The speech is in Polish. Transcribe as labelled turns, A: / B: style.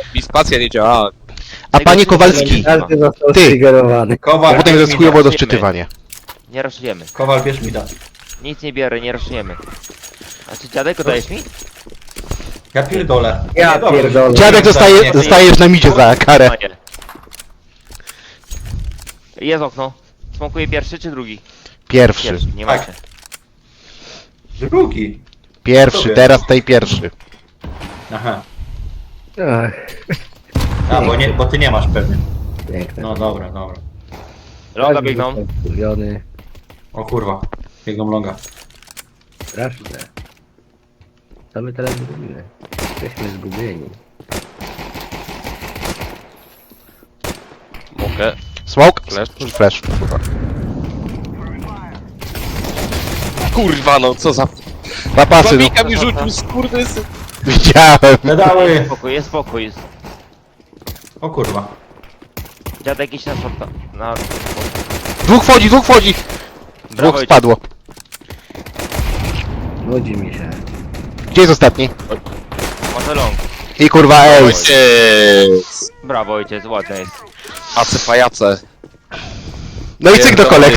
A: Mi spacja nie działała.
B: A panie Kowalski,
C: Każdy został
B: Ty.
C: striggerowany.
D: Kowal,
B: potem
D: bierz
B: jest
D: mi
B: chujowo
D: da.
B: do szczytywania.
E: Nie raszujemy.
D: Kowal, bierz mi da.
E: Nic nie biorę, nie raszujemy. A czy dziadek dajesz mi?
D: Ja pierdolę.
C: Ja
D: Nie, dobrze,
C: pierdolę.
D: że-
B: Dziadek
D: Nie,
B: zostajesz na midzie za karę.
E: A nie. Jest okno. Smokuje pierwszy czy drugi?
B: Pierwszy.
E: Nie ma
D: Tak.
E: się.
D: Drugi.
B: Pierwszy, teraz tej pierwszy.
D: Aha.
C: Ach,
D: A, bo ty nie masz pewnie.
C: piękne.
D: No dobra, dobra.
E: Longa
C: Każdy
E: biegną.
C: został wkurwiony.
D: O kurwa. Biegną longa.
C: Straszne. Co my teraz zrobimy? Jesteśmy zgubieni.
A: Mogę.
B: Smoke?
A: Flash.
B: Flash.
A: Kurwa no, co za...
B: Zapasy, no.
A: Babika mi rzucił, skurwysy.
B: Widziałem.
D: Pedały!
E: Jest spokój, jest.
D: O kurwa.
E: Dziadek iść na shorta. Na...
B: Dwóch wchodzi, dwóch wchodzi.
E: Brawo,
B: Dwóch spadło.
C: Nudzi mi się.
B: Gdzie jest ostatni?
E: Może long.
B: I kurwa ace.
A: Ojciec.
E: Brawo ojciec, ładne jest.
A: Ace pajace.
B: No i cyk do kolek.